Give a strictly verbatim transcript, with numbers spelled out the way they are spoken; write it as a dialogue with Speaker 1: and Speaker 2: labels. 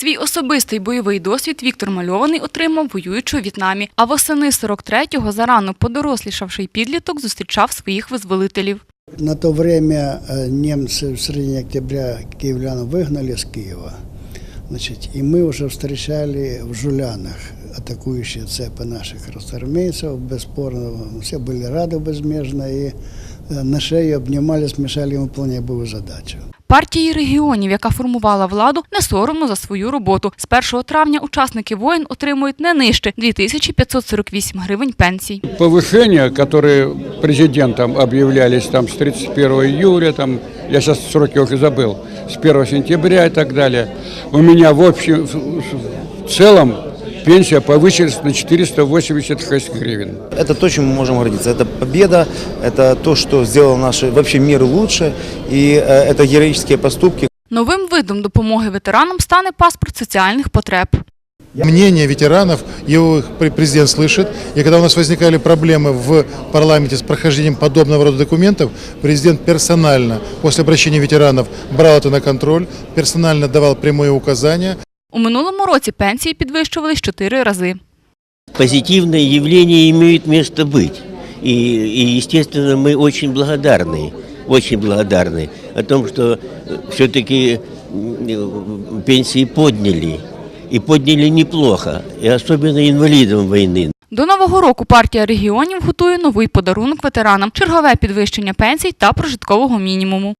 Speaker 1: Свій особистий бойовий досвід Віктор Мальований отримав, воюючи у В'єтнамі. А восени сорок третього зарано подорослішавший підліток зустрічав своїх визволителів.
Speaker 2: На то время немцы в середине октября киевлян выгнали с Киева. Значит, и мы уже встречали в Жулянах атакующие цепи наших красноармейцев, бесспорно, все были рады безмежно и на шею обнимались, мешали им выполнять боевую задачу.
Speaker 1: Партії регіонів, яка формувала владу, не соромно за свою роботу. З першого травня учасники воїн отримують не нижче – дві тисячі п'ятсот сорок вісім гривень пенсій.
Speaker 3: Повышения, которые президентом объявлялись там, с тридцать первого июля, там, я сейчас сроки уже забыл, с первого сентября и так далее, у меня в общем, в целом пенсия повысилась на четыреста восемьдесят шесть гривен.
Speaker 4: Это то, чем мы можем гордиться. Это победа, это то, что сделало наш вообще мир лучше, и это героические поступки.
Speaker 1: Новим видом допомоги ветеранам стане паспорт соціальних потреб.
Speaker 5: Мнение ветеранов, его президент слышит, и когда у нас возникали проблемы в парламенте с прохождением подобного рода документов, президент персонально, после обращения ветеранов, брал это на контроль, персонально давал прямые указания.
Speaker 1: У минулому році пенсії підвищувались чотири рази.
Speaker 6: Позитивные явления имеют место быть. И, и, естественно, мы очень благодарны, очень благодарны о том, что все-таки пенсии подняли. И подняли неплохо, и особенно инвалидам войны.
Speaker 1: До Нового року партія регіонів готує новий подарунок ветеранам – чергове підвищення пенсій та прожиткового мінімуму.